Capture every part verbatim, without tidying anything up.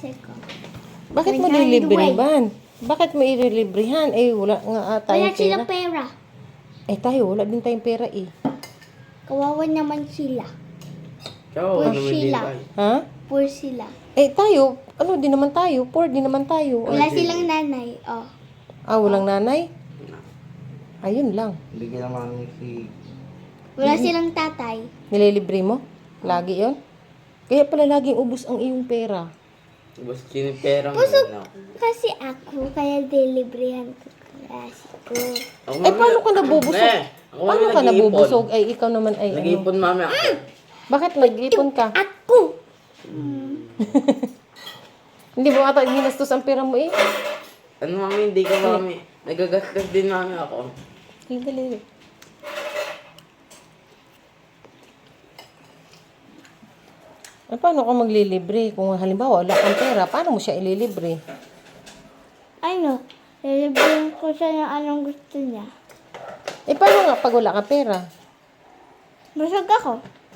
klase ko. Bakit mo Nag-hide lilibrehan? Bakit mo ililibrehan? Eh, wala nga ah, Wala tayong pera. silang pera. Eh, tayo, wala din tayong pera eh. Kawawa naman sila. Ikaw, Poor ano naman din sila. tayo. Ha? Poor sila. Eh, tayo, ano din naman tayo? Poor din naman tayo. Wala Jay. silang nanay. Oh. Ah, walang nanay? Ayun lang. Bigyan naman si... Wala silang tatay. Nililibre mo? Lagi yon. Kaya pala laging ubos ang iyong pera. Basta sinipera mo. Pusog ano. kasi ako, kaya deliveryhan ko klase ko. Ako, Eh, mami, paano ka nabubusog? Ne, ako, mami, Paano ka nag-iipon. nabubusog? Ay, ikaw naman ay ano. Nag-iipon mami ako. Bakit nag-ipon ka? Ako! Hindi mo ata ginastos ang pera mo eh. Ano mami, hindi ka mami. Nagagastos din mami ako. Ay, dali. Eh, paano ka maglilibre? Kung halimbawa wala kang pera, paano mo siya ililibre? Ano? Lilibrihan ko siya ng anong gusto niya. Eh, paano nga pag wala kang pera? Busog ako.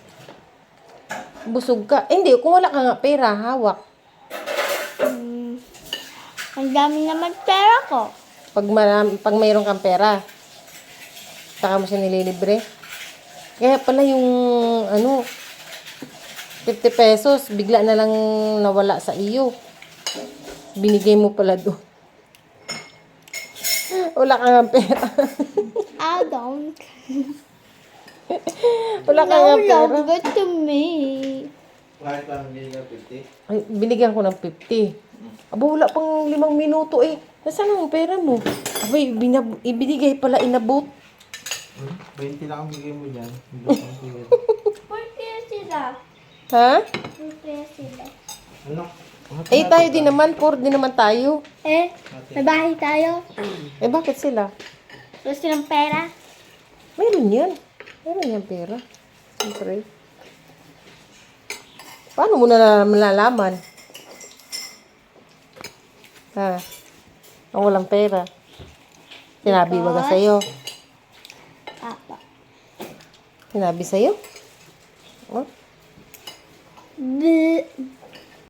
Busog ka. Eh, hindi, kung wala ka nga pera, hawak. Hmm. Ang dami naman pera ko. Pag, maram, pag mayroon kang pera, saka mo siya nililibre. Kaya pala yung, ano, fifty pesos, bigla na lang nawala sa iyo. Binigay mo pala doon. Wala ka nga pera. I don't. Wala ka No nga pera. longer to me. Kahit lang hindi na fifty. Ay, binigyan ko ng fifty. Aba, wala pang limang minuto eh. Nasaan ang pera mo? Abay, binab- ibinigay pala, inabot. Hmm? twenty lang ang bigay mo dyan. Por kaya sila? Ha? Por kaya sila? Ano? Eh, tayo din naman. Poor din naman tayo. Eh, may bahay tayo. Eh, bakit sila? Gusto ng pera. Meron yan. Meron yan pera. Siyempre. Paano mo na malalaman? Ha? Ang walang pera. Sinabi ba ka sa'yo? Apa. Sinabi sa'yo? Oh? Bleh.